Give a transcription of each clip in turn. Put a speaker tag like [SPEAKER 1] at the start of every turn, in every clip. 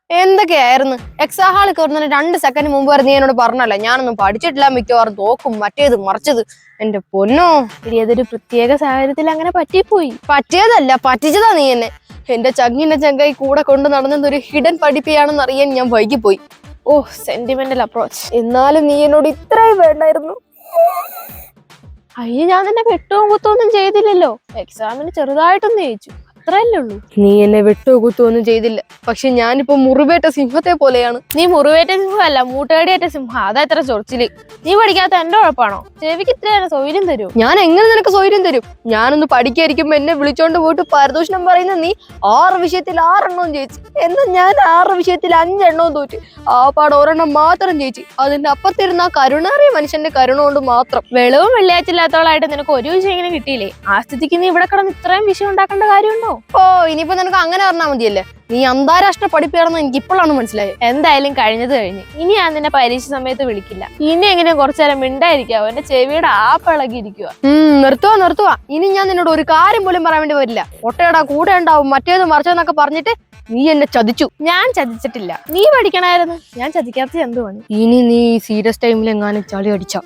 [SPEAKER 1] എന്തൊക്കെയായിരുന്നു എക്സാം ഹാളിൽ കയറുന്നതിന് 2 സെക്കൻഡ് മുമ്പ് വരെ നീ എന്നോട് പറഞ്ഞല്ല ഞാനൊന്നും പഠിച്ചിട്ടില്ല, മിക്കവാറും തോക്കും മറ്റേത് മറിച്ചത്. എന്റെ പൊന്നോ,
[SPEAKER 2] ഏതൊരു പ്രത്യേക സാഹചര്യത്തിൽ അങ്ങനെ പറ്റിപ്പോയി.
[SPEAKER 1] പറ്റിയതല്ല പറ്റിച്ചതാ നീ എന്നെ. എന്റെ ചങ്ങിന്റെ ചങ്കായി കൂടെ കൊണ്ട് നടന്നതൊരു ഹിഡൻ പഠിപ്പിയാണെന്ന് അറിയാൻ ഞാൻ വൈകിപ്പോയി.
[SPEAKER 2] ഓ, സെന്റിമെന്റൽ അപ്രോച്ച്.
[SPEAKER 1] എന്നാലും നീ എന്നോട് ഇത്രയും വേണ്ടായിരുന്നു.
[SPEAKER 2] അയ്യ, ഞാൻ നിന്നെ വെട്ടവും കുത്തൊന്നും ചെയ്തില്ലല്ലോ. എക്സാമിന് ചെറുതായിട്ടൊന്നും ജയിച്ചു, അത്രയല്ലേ ഉള്ളൂ.
[SPEAKER 1] നീ എന്നെ വെട്ടോ കുത്തോ ഒന്നും ചെയ്തില്ല. പക്ഷെ ഞാനിപ്പോ മുറിവേറ്റ സിംഹത്തെ പോലെയാണ്.
[SPEAKER 2] നീ മുറിവേറ്റ സിംഹമല്ല, മൂട്ടേടിയേറ്റ സിംഹം. അതാ ഇത്ര ചൊറിച്ചില്. നീ പഠിക്കാത്ത എന്റെ കുഴപ്പമാണോ? ചെവിക്ക് ഇത്ര സൗകര്യം തരൂ.
[SPEAKER 1] ഞാൻ എങ്ങനെ നിനക്ക് സൗകര്യം തരും? ഞാനൊന്ന് പഠിക്കായിരിക്കുമ്പോ എന്നെ വിളിച്ചോണ്ട് പോയിട്ട് പാരിതോഷികം പറയുന്ന നീ 6 വിഷയത്തിൽ 6 എണ്ണവും ജയിച്ചു. എന്നാ ഞാൻ 6 വിഷയത്തിൽ 5 എണ്ണവും തോറ്റു. ആ പാട് ഒരെണ്ണം മാത്രം ജയിച്ചു. അതിന്റെ അപ്പുറത്തിരുന്ന ആ കരുണാറിയ മനുഷ്യന്റെ കരുണ കൊണ്ട് മാത്രം.
[SPEAKER 2] വെളവും വെള്ളിയാഴ്ചയില്ലാത്തോളായിട്ട് നിനക്ക് ഒരു വിഷയം ഇങ്ങനെ കിട്ടിയില്ലേ? ആ സ്ഥിതിക്ക് നീ ഇവിടെ കിടന്ന് ഇത്രയും വിഷയം ഉണ്ടാക്കേണ്ട കാര്യമുണ്ടോ?
[SPEAKER 1] ഓ, ഇനിയിപ്പോ നിനക്ക് അങ്ങനെ പറഞ്ഞാൽ മതിയല്ലേ. നീ അന്താരാഷ്ട്ര പഠിപ്പാണെന്ന് എനിക്ക് ഇപ്പോഴാണ് മനസ്സിലായത്.
[SPEAKER 2] എന്തായാലും കഴിഞ്ഞത് കഴിഞ്ഞ്. ഇനി ഞാൻ നിന്നെ പരീക്ഷ സമയത്ത് വിളിക്കില്ല. ഇനി എങ്ങനെ കുറച്ചു നേരം മിണ്ടായിരിക്കാവോ? എന്റെ ചെവിയുടെ ആപ്പിളകിയിരിക്കുക.
[SPEAKER 1] നിർത്തുവാ. ഇനി ഞാൻ നിന്നോട് ഒരു കാര്യം പോലും പറയാൻ വേണ്ടി വരില്ല. ഒട്ടയടാ കൂടെ ഉണ്ടാവും മറ്റേത് മറിച്ചതെന്നൊക്കെ പറഞ്ഞിട്ട് നീ എന്നെ ചതിച്ചു.
[SPEAKER 2] ഞാൻ ചതിച്ചിട്ടില്ല. നീ പഠിക്കണായിരുന്നു. ഞാൻ ചതിക്കാത്ത എന്തുവാണ്?
[SPEAKER 1] ഇനി നീ സീരിയസ് ടൈമിൽ എങ്ങാനും ചളി അടിച്ച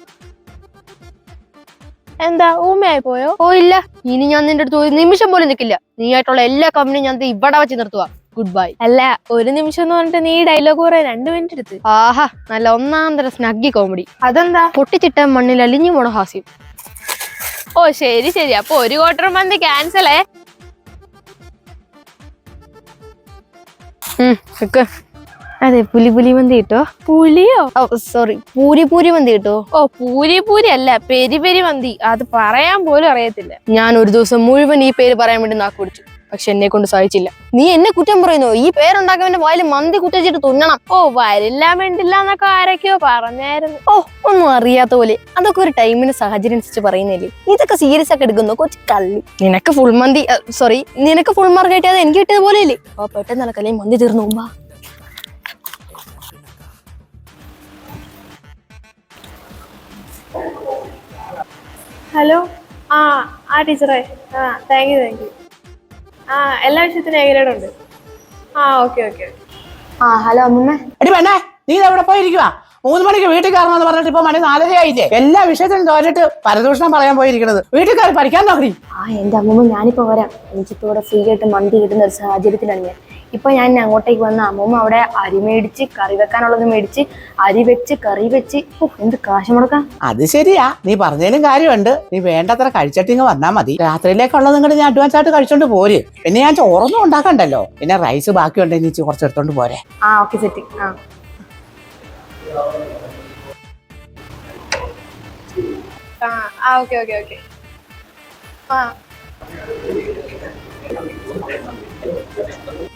[SPEAKER 2] എന്താ ഊമയായി പോയോ?
[SPEAKER 1] ഓ ഇല്ല, ഇനി ഞാൻ നിന്റെ അടുത്ത് ഒരു നിമിഷം പോലും നിൽക്കില്ല. നീ ആയിട്ടുള്ള എല്ലാ കമ്പനിയും ഞാൻ ഇവിടെ വെച്ച് നിർത്തുക. Good bye.
[SPEAKER 2] അല്ല, ഒരു നിമിഷം എന്ന് പറഞ്ഞിട്ട് നീ ഡയലോഗ് പറയാൻ 2 മിനിറ്റ് എടുത്ത്.
[SPEAKER 1] ആഹാ, നല്ല ഒന്നാം തരം സ്നഗ്ഗി കോമഡി.
[SPEAKER 2] അതെന്താ?
[SPEAKER 1] പൊട്ടിച്ചിട്ട മണ്ണിൽ അലിഞ്ഞു പോണ ഹാസ്യം.
[SPEAKER 2] ഓ ശരി. അപ്പൊ 1 ക്വാർട്ടർ മന്തി ക്യാൻസലേ.
[SPEAKER 1] അതെ, പുലി മന്തി കിട്ടോ?
[SPEAKER 2] പുലിയോ?
[SPEAKER 1] സോറി, പൂരി മന്തി കിട്ടോ?
[SPEAKER 2] ഓ, പൂരി അല്ല, പെരി മന്തി. അത് പറയാൻ പോലും അറിയത്തില്ല.
[SPEAKER 1] ഞാൻ ഒരു ദിവസം മുഴുവൻ ഈ പേര് പറയാൻ വേണ്ടി നാക്ക് പിടിച്ചു. പക്ഷെ എന്നെ കൊണ്ട് സാധിച്ചില്ല. നീ എന്നെ കുറ്റം പറയുന്നു. ഈ പേരുണ്ടാക്കിയവന്റെ വായിൽ മന്തി കുത്തിച്ചിട്ട് തുന്നണം.
[SPEAKER 2] ഓ, വരില്ല വേണ്ടില്ല എന്നൊക്കെ ആരൊക്കെയോ പറഞ്ഞായിരുന്നു.
[SPEAKER 1] ഓ, ഒന്നും അറിയാത്ത പോലെ. അതൊക്കെ ഒരു ടൈമിന് സാഹചര്യം അനുസരിച്ച് പറയുന്നില്ലേ. ഇതൊക്കെ സീരിയസ് ഒക്കെ എടുക്കുന്നു കൊച്ചു കള്ളി. നിനക്ക് ഫുൾ മാർക്ക് കിട്ടിയത് എനിക്ക് കിട്ടിയത് പോലെയല്ലേ. അപ്പൊ പെട്ടെന്ന് നടക്കല്ലേ മന്തി തീർന്നു പോവാ.
[SPEAKER 2] ഹലോ, ആ ടീച്ചറേ. Thank you. എല്ലാ വിഷയത്തിനും ഏകദേശമുണ്ട്. ഓക്കെ.
[SPEAKER 1] ഹലോ അമ്മമ്മ.
[SPEAKER 3] എടി വേണ്ടേ, നീ എവിടെ പോയിരിക്കുവാ? 3 മണിക്ക് വീട്ടിൽ കയറണമെന്ന് പറഞ്ഞിട്ട് ഇപ്പൊ മണി 4:30 ആയില്ലേ? എല്ലാ വിഷയത്തിനും തോന്നിട്ട് പരദൂഷണം പറയാൻ പോയിരിക്കുന്നത്. വീട്ടിൽ കയറി പഠിക്കാൻ നോക്കി.
[SPEAKER 1] എന്റെ അമ്മമ്മ, ഞാനിപ്പോ വരാം. എനിക്കിപ്പോ ഇവിടെ ഫ്രീ ആയിട്ട് മന്തി കിട്ടുന്ന ഒരു സാഹചര്യത്തിലാണ് ഞാൻ. ഇപ്പൊ ഞാൻ അങ്ങോട്ടേക്ക് വന്ന അമ്മമ്മ അവിടെ അരി മേടിച്ച് കറി വെക്കാനുള്ളത് മേടിച്ച് അരി വെച്ച് കറി വെച്ച് എന്ത് കാശ് മുടക്കാം.
[SPEAKER 3] അത് ശരിയാ, നീ പറഞ്ഞതിലും കാര്യമുണ്ട്. നീ വേണ്ടത്ര കഴിച്ചിട്ടിങ്ങ് വന്നാ മതി. രാത്രിയിലേക്കുള്ളത് നിങ്ങളുടെ ഞാൻ അഡ്വാൻസ് ആയിട്ട് കഴിച്ചോണ്ട് പോര്. പിന്നെ ഞാൻ ചോറൊന്നും ഉണ്ടാക്കണ്ടല്ലോ. പിന്നെ റൈസ് ബാക്കിയുണ്ടെങ്കിൽ നീ കുറച്ച് എടുത്തോണ്ട് പോരെ.
[SPEAKER 1] Okay, set.
[SPEAKER 2] ഓക്കെ.